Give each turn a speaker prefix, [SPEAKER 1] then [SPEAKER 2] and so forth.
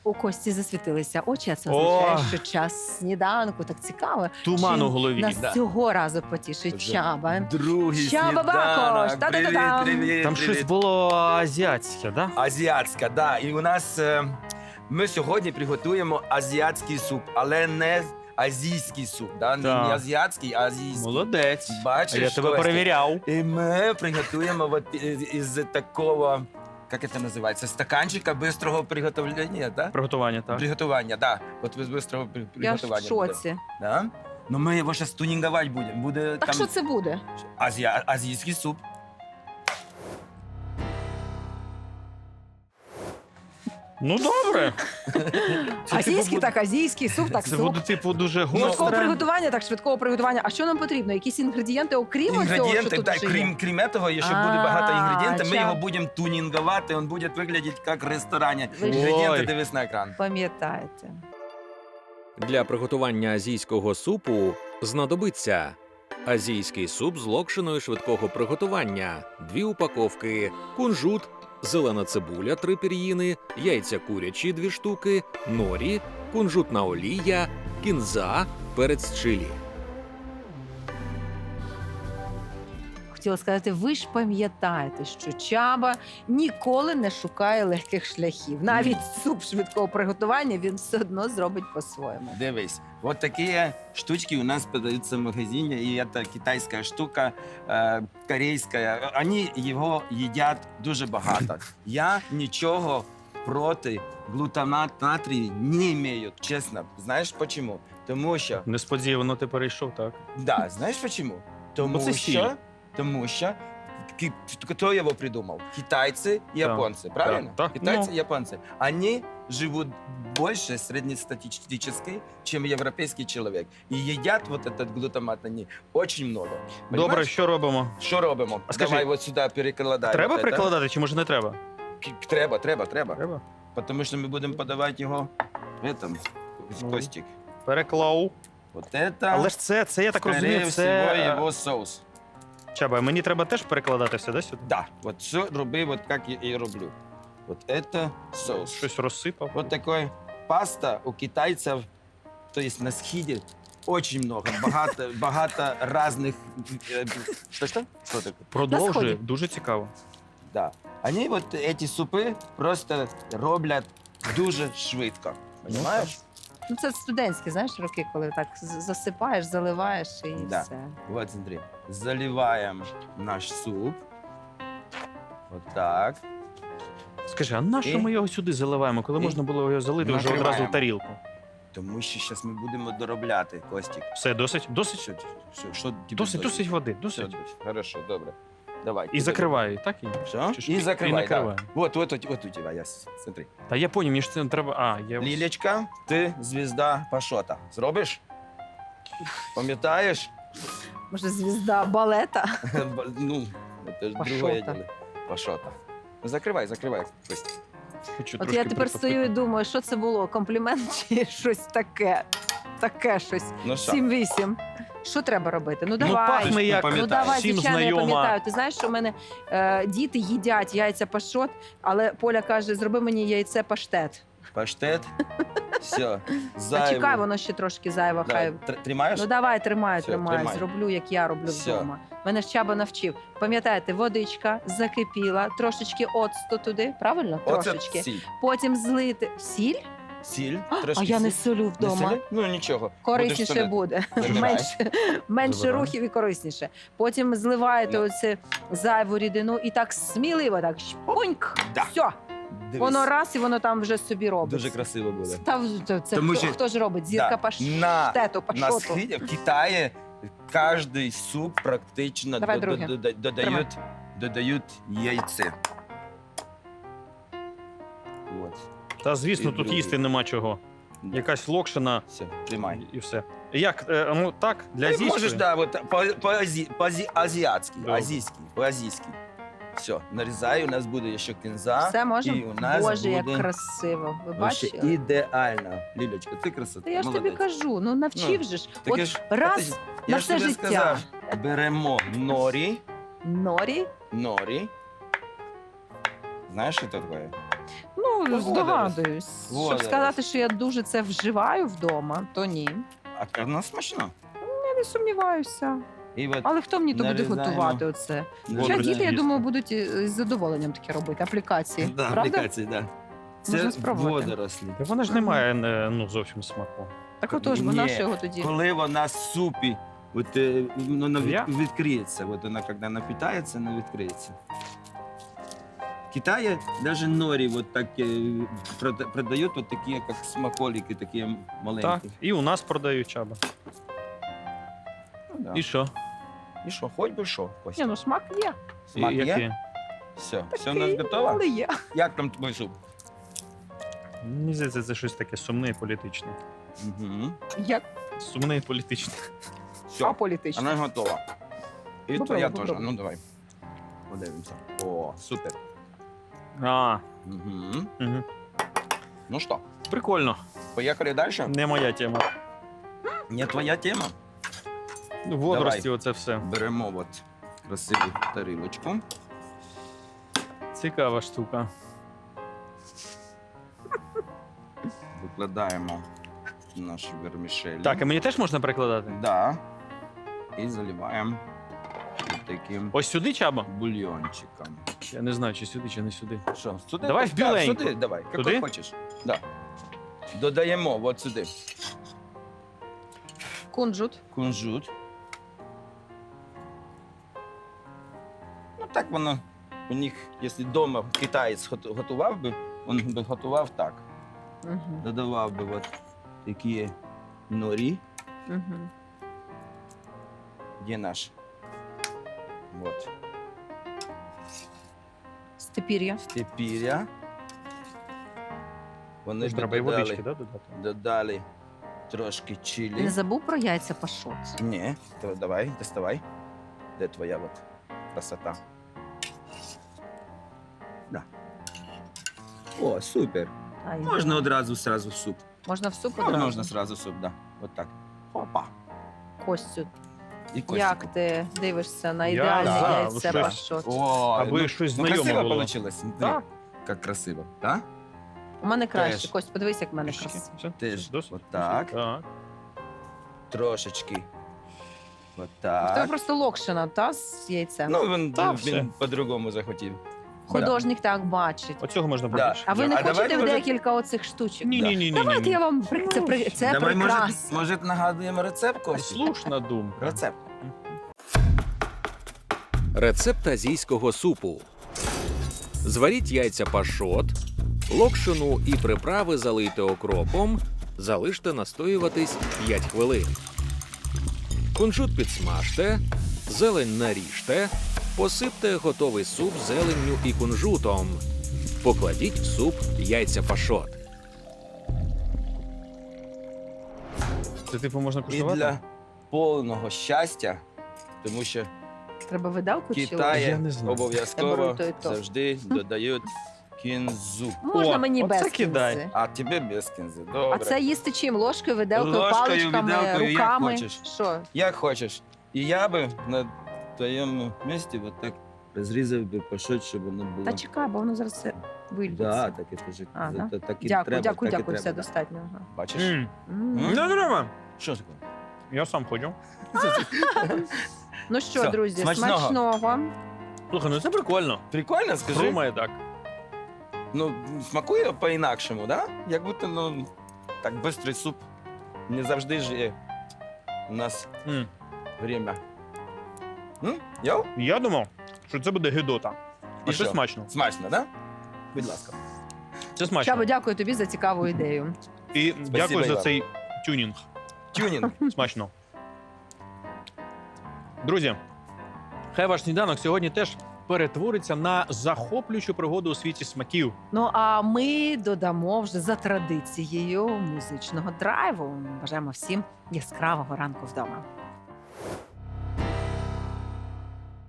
[SPEAKER 1] У Кості засвітилися очі, а це
[SPEAKER 2] О!
[SPEAKER 1] означає, що час сніданку. Так цікаво.
[SPEAKER 2] Туман
[SPEAKER 1] Чи
[SPEAKER 2] у голові.
[SPEAKER 1] нас
[SPEAKER 3] Да.
[SPEAKER 1] цього разу потішить
[SPEAKER 3] Вже
[SPEAKER 1] Чаба.
[SPEAKER 3] Другий
[SPEAKER 1] Чаба Бакош!
[SPEAKER 3] сніданок.
[SPEAKER 1] Та-да-да-дам!
[SPEAKER 3] Привіт.
[SPEAKER 2] Там щось було азіатське, да?
[SPEAKER 3] Азіатська, да. І у нас ми сьогодні приготуємо азіатський суп, але не азійський суп, да? Не
[SPEAKER 2] Так.
[SPEAKER 3] азіатський, а азійський.
[SPEAKER 2] Молодець.
[SPEAKER 3] Бачиш,
[SPEAKER 2] А я тебе
[SPEAKER 3] Костя?
[SPEAKER 2] перевіряв.
[SPEAKER 3] І ми приготуємо вот із такого, як це називається, стаканчика бистрого приготовлення, да?
[SPEAKER 2] Приготування, так.
[SPEAKER 3] Приготування, да. От з бистрого
[SPEAKER 1] Я ж в
[SPEAKER 3] приготування. буде.
[SPEAKER 1] шоці.
[SPEAKER 3] Да? Ну ми його зараз тунінговать будемо. Буде
[SPEAKER 1] Так
[SPEAKER 3] там
[SPEAKER 1] що це буде?
[SPEAKER 3] азійський суп.
[SPEAKER 2] Ну, добре. Це,
[SPEAKER 1] Азійський,
[SPEAKER 2] типу,
[SPEAKER 1] так азійський, суп, так
[SPEAKER 2] Це
[SPEAKER 1] суп.
[SPEAKER 2] буде, типу, дуже
[SPEAKER 1] Швидкого
[SPEAKER 2] гостре.
[SPEAKER 1] приготування, так швидкого приготування. А що нам потрібно? Якісь інгредієнти, окрім цього, що
[SPEAKER 3] Інгредієнти,
[SPEAKER 1] тут
[SPEAKER 3] да,
[SPEAKER 1] вже є?
[SPEAKER 3] крім того, якщо буде багато інгредієнтів, ми
[SPEAKER 1] ча.
[SPEAKER 3] його будемо тунінговати, він буде виглядати як в ресторані.
[SPEAKER 1] Ви ж-
[SPEAKER 3] Інгредієнти
[SPEAKER 2] Ой.
[SPEAKER 3] дивись на екран.
[SPEAKER 1] Пам'ятаєте.
[SPEAKER 4] Для приготування азійського супу знадобиться азійський суп з локшиною швидкого приготування, 2 упаковки, кунжут, зелена цибуля 3 пір'їни, яйця курячі 2 штуки, норі, кунжутна олія, кінза, перець чилі.
[SPEAKER 1] Хотіла сказати, ви ж пам'ятаєте, що Чаба ніколи не шукає легких шляхів. Навіть суп швидкого приготування він все одно зробить по-своєму.
[SPEAKER 3] Дивись, от такі штучки у нас продаються в магазині, і це китайська штука, корейська. Вони його їдять дуже багато. Я нічого проти глутамат натрію не маю, чесно. Знаєш чому? Тому що,
[SPEAKER 2] Несподівано ти перейшов, так.
[SPEAKER 3] да, знаєш чому? Тому
[SPEAKER 2] це
[SPEAKER 3] що,
[SPEAKER 2] сіль.
[SPEAKER 3] тому що хто його придумав? Китайці і японці, правильно?
[SPEAKER 2] так.
[SPEAKER 3] Китайці
[SPEAKER 2] Ну.
[SPEAKER 3] и японцы. Они живут больше среднестатистически, чем европейский человек. И едят вот этот глутамат они очень много.
[SPEAKER 2] Добре,
[SPEAKER 3] Понимаешь?
[SPEAKER 2] що робимо?
[SPEAKER 3] Що робимо?
[SPEAKER 2] А скажи,
[SPEAKER 3] Давай от сюди перекладаємо.
[SPEAKER 2] Треба
[SPEAKER 3] от это.
[SPEAKER 2] перекладати чи може не треба?
[SPEAKER 3] Треба.
[SPEAKER 2] Треба.
[SPEAKER 3] Тому що ми будемо подавати його в этом,
[SPEAKER 2] Ну.
[SPEAKER 3] Костик.
[SPEAKER 2] Переклав.
[SPEAKER 3] Вот это,
[SPEAKER 2] Але ж це, я так
[SPEAKER 3] скорее
[SPEAKER 2] розумію,
[SPEAKER 3] всего,
[SPEAKER 2] це...
[SPEAKER 3] його соус.
[SPEAKER 2] Чаба, мені треба теж перекладати все, да, сюди?
[SPEAKER 3] Да, вот все роби, вот как я и роблю. Вот это соус.
[SPEAKER 2] Щось розсипав.
[SPEAKER 3] Вот такой паста у китайцев, то есть на схиде, очень много, багато разных... Что? Что такое?
[SPEAKER 2] Продовжуй,
[SPEAKER 1] сході.
[SPEAKER 2] дуже цікаво.
[SPEAKER 3] Да. Они вот эти супи просто роблять дуже швидко. Понимаешь?
[SPEAKER 1] Ну це студентські, знаєш, роки, коли так засипаєш, заливаєш і
[SPEAKER 3] Да.
[SPEAKER 1] все.
[SPEAKER 3] Вот смотри. Заливаем наш суп. Вот так.
[SPEAKER 2] Скажи, а на що
[SPEAKER 3] І?
[SPEAKER 2] ми його сюди заливаємо, коли
[SPEAKER 3] І?
[SPEAKER 2] можна було його залити вже
[SPEAKER 3] Накриваємо.
[SPEAKER 2] одразу в тарілку?
[SPEAKER 3] Тому що зараз ми будемо доробляти, Костік.
[SPEAKER 2] Все, досить? Досить?
[SPEAKER 3] Що тобі
[SPEAKER 2] Досить води,
[SPEAKER 3] Все,
[SPEAKER 2] досить.
[SPEAKER 3] Хорошо, добре. Давай.
[SPEAKER 2] І закриваю, так?
[SPEAKER 3] Все?
[SPEAKER 2] Чи ж-
[SPEAKER 3] І закривай, да.
[SPEAKER 2] накриваю.
[SPEAKER 3] Вот у тебя, я смотри.
[SPEAKER 2] Та я поняв, мені ж це не треба... А, я...
[SPEAKER 3] Лілечка, ти звізда Пашота. Зробиш? Пам'ятаєш?
[SPEAKER 1] Може, звізда балета?
[SPEAKER 3] Ну, це ж
[SPEAKER 1] Пашота.
[SPEAKER 3] другое діло. Пашота. Закривай, Костя.
[SPEAKER 2] Хочу
[SPEAKER 1] От
[SPEAKER 2] трошки
[SPEAKER 1] я тепер стою і
[SPEAKER 2] притопити.
[SPEAKER 1] думаю, що це було? Комплімент чи щось таке? Таке щось.
[SPEAKER 3] Ну що?
[SPEAKER 1] 7-8. Що треба робити? Ну
[SPEAKER 2] Ну,
[SPEAKER 1] давай.
[SPEAKER 2] пахне як
[SPEAKER 1] Ну давай,
[SPEAKER 2] всім
[SPEAKER 1] звичайно, я
[SPEAKER 2] знайома.
[SPEAKER 1] пам'ятаю. Ти знаєш, що в мене діти їдять яйця пашот, але Поля каже, зроби мені яйце паштет.
[SPEAKER 3] Паштет. Все.
[SPEAKER 1] А чекай, воно ще трошки зайво. Хай.
[SPEAKER 3] Тримаєш?
[SPEAKER 1] Ну давай, тримаю,
[SPEAKER 3] Все,
[SPEAKER 1] тримаю.
[SPEAKER 3] тримай.
[SPEAKER 1] Зроблю, як я роблю
[SPEAKER 3] Все.
[SPEAKER 1] вдома. Мене ж Чаба навчив. Пам'ятаєте, водичка закипіла, трошечки оцту туди, правильно?
[SPEAKER 3] Оце
[SPEAKER 1] Трошечки.
[SPEAKER 3] сіль.
[SPEAKER 1] Потім злити сіль.
[SPEAKER 3] Сіль,
[SPEAKER 1] А
[SPEAKER 3] трошки
[SPEAKER 1] я не
[SPEAKER 3] сіль.
[SPEAKER 1] солю
[SPEAKER 3] Не
[SPEAKER 1] вдома.
[SPEAKER 3] солі? Ну нічого.
[SPEAKER 1] Корисніше
[SPEAKER 3] Будеш солити.
[SPEAKER 1] буде.
[SPEAKER 3] Забирай.
[SPEAKER 1] Менше
[SPEAKER 2] Забирай.
[SPEAKER 1] рухів і корисніше. Потім зливаєте
[SPEAKER 3] Ну.
[SPEAKER 1] оце зайву рідину і так сміливо, так шпуньк.
[SPEAKER 3] Да.
[SPEAKER 1] Все.
[SPEAKER 3] Дивись.
[SPEAKER 1] Воно раз і воно там вже собі робить.
[SPEAKER 3] Дуже красиво буде.
[SPEAKER 1] Це
[SPEAKER 3] Тому
[SPEAKER 1] хто,
[SPEAKER 3] що-
[SPEAKER 1] хто ж робить? Зірка
[SPEAKER 3] Да.
[SPEAKER 1] паштету,
[SPEAKER 3] На
[SPEAKER 1] пашоту.
[SPEAKER 3] схиді, в Китаї кожний суп практично
[SPEAKER 1] Давай друге.
[SPEAKER 3] додають яйце. Вот.
[SPEAKER 2] Та звісно,
[SPEAKER 3] І
[SPEAKER 2] тут
[SPEAKER 3] другий.
[SPEAKER 2] їсти нема чого.
[SPEAKER 3] Да.
[SPEAKER 2] Якась локшина
[SPEAKER 3] Все, тримай.
[SPEAKER 2] і все. Як, ну так, для
[SPEAKER 3] Ти
[SPEAKER 2] азійської?
[SPEAKER 3] можеш, да, вот, по-азіатськи,
[SPEAKER 2] Добре.
[SPEAKER 3] по-азійськи. Все, нарізаю, у нас буде ще кінза.
[SPEAKER 1] Все
[SPEAKER 3] І
[SPEAKER 1] можемо?
[SPEAKER 3] у нас
[SPEAKER 1] Боже, як
[SPEAKER 3] буде
[SPEAKER 1] красиво. Ви
[SPEAKER 3] вообще
[SPEAKER 1] бачили?
[SPEAKER 3] ідеально. Лілечка, ти красота.
[SPEAKER 1] Та я ж тобі кажу, ну навчив же ж.
[SPEAKER 3] Таке
[SPEAKER 1] От
[SPEAKER 3] ж-
[SPEAKER 1] раз
[SPEAKER 3] Я
[SPEAKER 1] на
[SPEAKER 3] ж
[SPEAKER 1] все
[SPEAKER 3] тобі
[SPEAKER 1] життя.
[SPEAKER 3] сказав, беремо норі.
[SPEAKER 1] Норі.
[SPEAKER 3] Знаєш, що це таке?
[SPEAKER 1] Ну, Ну,
[SPEAKER 3] Водорослі.
[SPEAKER 1] здогадуюсь. Щоб
[SPEAKER 3] Водорослі.
[SPEAKER 1] сказати, що я дуже це вживаю вдома, то ні.
[SPEAKER 3] А воно смачно.
[SPEAKER 1] Я не сумніваюся.
[SPEAKER 3] І от
[SPEAKER 1] Але хто мені то буде
[SPEAKER 3] нарізаємо.
[SPEAKER 1] готувати оце? Хоча
[SPEAKER 2] Водорослі
[SPEAKER 1] діти, я
[SPEAKER 2] їсти.
[SPEAKER 1] думаю, будуть з задоволенням таке робити. Аплікації.
[SPEAKER 3] Да,
[SPEAKER 1] Правда?
[SPEAKER 3] аплікації, да.
[SPEAKER 1] Можна
[SPEAKER 3] Це
[SPEAKER 1] спробувати.
[SPEAKER 3] водорослі.
[SPEAKER 2] Та вона ж не має ну, зовсім смаку.
[SPEAKER 1] Так отож, бо
[SPEAKER 3] Ні.
[SPEAKER 1] наш його тоді.
[SPEAKER 3] Коли вона в супі, от, вона
[SPEAKER 2] Я?
[SPEAKER 3] відкриється. От вона, коли напитається, вона відкриється. В Китаї навіть норі вот так, продають вот такі, як смаколики, такі
[SPEAKER 2] Так,
[SPEAKER 3] маленькі.
[SPEAKER 2] і у нас продають чаба.
[SPEAKER 3] Ну, да.
[SPEAKER 2] І що?
[SPEAKER 3] І що, хоч би що,
[SPEAKER 1] Ні,
[SPEAKER 3] Костя?
[SPEAKER 1] ну смак є.
[SPEAKER 3] Смак
[SPEAKER 2] І
[SPEAKER 3] є?
[SPEAKER 2] які?
[SPEAKER 3] Все у нас готово?
[SPEAKER 1] Але є.
[SPEAKER 3] Як там твій суп?
[SPEAKER 2] Мені здається, це щось таке сумне і політичне.
[SPEAKER 3] Угу.
[SPEAKER 1] Як
[SPEAKER 2] Сумне і політичне.
[SPEAKER 3] Все,
[SPEAKER 1] аполітично.
[SPEAKER 3] вона готова. І
[SPEAKER 1] Попробуй,
[SPEAKER 3] твоя теж.
[SPEAKER 1] попробуй.
[SPEAKER 3] Ну давай. Подивимося. О, супер.
[SPEAKER 2] А,
[SPEAKER 3] Угу.
[SPEAKER 2] угу.
[SPEAKER 3] Ну що,
[SPEAKER 2] Прикольно.
[SPEAKER 3] поїхали далі?
[SPEAKER 2] Не моя тема.
[SPEAKER 3] Не твоя тема.
[SPEAKER 2] Ну, водорості,
[SPEAKER 3] Давай.
[SPEAKER 2] оце все.
[SPEAKER 3] Беремо от красиву тарілочку.
[SPEAKER 2] Цікава штука.
[SPEAKER 3] Викладаємо наші вермішелі.
[SPEAKER 2] Так, а мені теж можна перекладати?
[SPEAKER 3] Да. І заливаємо таким
[SPEAKER 2] Ось сюди чаба?
[SPEAKER 3] бульйончиком.
[SPEAKER 2] Я не знаю, чи сюди, чи не сюди.
[SPEAKER 3] Що, сюди?
[SPEAKER 2] Давай в біленьку.
[SPEAKER 3] Сюди, давай.
[SPEAKER 2] Туди?
[SPEAKER 3] Як хочеш. Да. Додаємо от сюди
[SPEAKER 1] Кунжут.
[SPEAKER 3] кунжут. Ну так воно у них, якщо вдома китаєць готував би, він би готував так.
[SPEAKER 1] Угу.
[SPEAKER 3] Додавав би от такі норі.
[SPEAKER 1] Угу.
[SPEAKER 3] Де наш? Вот.
[SPEAKER 1] Степір'я.
[SPEAKER 3] Степіря. Вони
[SPEAKER 2] Ось
[SPEAKER 3] б
[SPEAKER 2] треба і водички,
[SPEAKER 3] додали,
[SPEAKER 2] да, додати?
[SPEAKER 3] додали трошки
[SPEAKER 1] Не
[SPEAKER 3] чилі.
[SPEAKER 1] забув про яйця пашот.
[SPEAKER 3] Ні, то давай, доставай. Де твоя от красота? Да. О, супер.
[SPEAKER 1] Ай,
[SPEAKER 3] Можна одразу сразу в суп.
[SPEAKER 1] Можна в суп
[SPEAKER 3] Ну,
[SPEAKER 1] одразу?
[SPEAKER 3] можна сразу в суп, да. От так. Опа.
[SPEAKER 1] Костю,
[SPEAKER 3] І костику.
[SPEAKER 1] як ти дивишся на
[SPEAKER 2] Я
[SPEAKER 1] ідеальне
[SPEAKER 2] за,
[SPEAKER 1] яйце
[SPEAKER 2] щось.
[SPEAKER 1] пашот?
[SPEAKER 3] О,
[SPEAKER 2] Аби
[SPEAKER 3] ну,
[SPEAKER 2] щось
[SPEAKER 3] ну,
[SPEAKER 2] знайоме
[SPEAKER 3] красиво
[SPEAKER 2] було.
[SPEAKER 3] вийшло.
[SPEAKER 2] Так.
[SPEAKER 3] Як красиво, так?
[SPEAKER 1] У мене краще.
[SPEAKER 3] Теж.
[SPEAKER 1] Кость, подивись, як в мене
[SPEAKER 2] Трішечки.
[SPEAKER 1] красиво.
[SPEAKER 2] Все?
[SPEAKER 3] Теж.
[SPEAKER 2] Досить?
[SPEAKER 3] Отак.
[SPEAKER 2] Так.
[SPEAKER 3] Трошечки. От
[SPEAKER 1] В тебе
[SPEAKER 3] так.
[SPEAKER 1] просто локшина, та, з яйцем?
[SPEAKER 3] Ну, він,
[SPEAKER 2] Та, все.
[SPEAKER 3] він по-другому захотів.
[SPEAKER 1] Художник так бачить.
[SPEAKER 2] Оцього можна
[SPEAKER 3] Да.
[SPEAKER 2] побільше.
[SPEAKER 1] А ви не
[SPEAKER 3] А давай,
[SPEAKER 1] хочете
[SPEAKER 3] може-
[SPEAKER 1] декілька оцих штучок?
[SPEAKER 2] Ні.
[SPEAKER 1] Давайте я вам це
[SPEAKER 3] Давай,
[SPEAKER 1] прекрасно.
[SPEAKER 3] може нагадуємо рецепт, Костя?
[SPEAKER 2] Слушна думка.
[SPEAKER 3] Рецепт.
[SPEAKER 4] Рецепт азійського супу. Зваріть яйця пашот, локшину і приправи залийте окропом, залиште настоюватись 5 хвилин. Кунжут підсмажте, зелень наріжте, посипте готовий суп зеленню і кунжутом. Покладіть в суп яйця пашот.
[SPEAKER 2] Це типу можна
[SPEAKER 3] І
[SPEAKER 2] куштувати?
[SPEAKER 3] для повного щастя, тому що
[SPEAKER 1] Треба видалку
[SPEAKER 3] в
[SPEAKER 1] чи
[SPEAKER 2] Я
[SPEAKER 3] Китаї
[SPEAKER 2] не знаю.
[SPEAKER 1] Я
[SPEAKER 3] обов'язково
[SPEAKER 1] беру то і то.
[SPEAKER 3] завжди додають кінзу.
[SPEAKER 1] можна
[SPEAKER 2] О,
[SPEAKER 1] мені
[SPEAKER 2] оце
[SPEAKER 1] без
[SPEAKER 2] кидай.
[SPEAKER 1] кінзи?
[SPEAKER 3] А тебе без кінзи. Добре.
[SPEAKER 1] А це їсти чим? Ложкою, виделкою,
[SPEAKER 3] Ложкою,
[SPEAKER 1] паличками,
[SPEAKER 3] виделкою, як
[SPEAKER 1] руками?
[SPEAKER 3] хочеш.
[SPEAKER 1] Що?
[SPEAKER 3] Як хочеш. І я би на твоєму місці от так розрізав би пашот, щоб воно було.
[SPEAKER 1] Та чекай, бо воно зараз все вильється.
[SPEAKER 3] Да, так і ж.
[SPEAKER 1] А, да?
[SPEAKER 3] Так і
[SPEAKER 1] Дякую,
[SPEAKER 3] треба,
[SPEAKER 1] дякую,
[SPEAKER 3] так і
[SPEAKER 1] дякую, все
[SPEAKER 3] треба, да.
[SPEAKER 1] достатньо. Ага.
[SPEAKER 3] Бачиш?
[SPEAKER 2] М.
[SPEAKER 1] М.
[SPEAKER 3] М?
[SPEAKER 2] Не треба.
[SPEAKER 3] Що таке?
[SPEAKER 2] Я сам ходжу.
[SPEAKER 1] Ну що,
[SPEAKER 3] Все,
[SPEAKER 1] друзі,
[SPEAKER 3] смачного.
[SPEAKER 1] смачного.
[SPEAKER 2] Слухай, ну це прикольно.
[SPEAKER 3] Прикольно, скажи.
[SPEAKER 2] Хрумає так.
[SPEAKER 3] Ну, смакує по-інакшому, да? Як будто, ну, так, бистрий суп. Не завжди ж є у нас
[SPEAKER 2] М.
[SPEAKER 3] время. Йоу?
[SPEAKER 2] Я думав, що це буде гидота. А
[SPEAKER 3] І
[SPEAKER 2] це
[SPEAKER 3] що?
[SPEAKER 2] смачно.
[SPEAKER 3] Смачно, да? Будь ласка.
[SPEAKER 2] Це смачно.
[SPEAKER 1] Чабо, дякую тобі за цікаву ідею.
[SPEAKER 2] І дякую за
[SPEAKER 3] Іван.
[SPEAKER 2] цей тюнінг.
[SPEAKER 3] Тюнінг.
[SPEAKER 2] Смачно. Друзі, хай ваш сніданок сьогодні теж перетвориться на захоплюючу пригоду у світі смаків.
[SPEAKER 1] Ну а ми додамо вже за традицією музичного драйву. Бажаємо всім яскравого ранку вдома.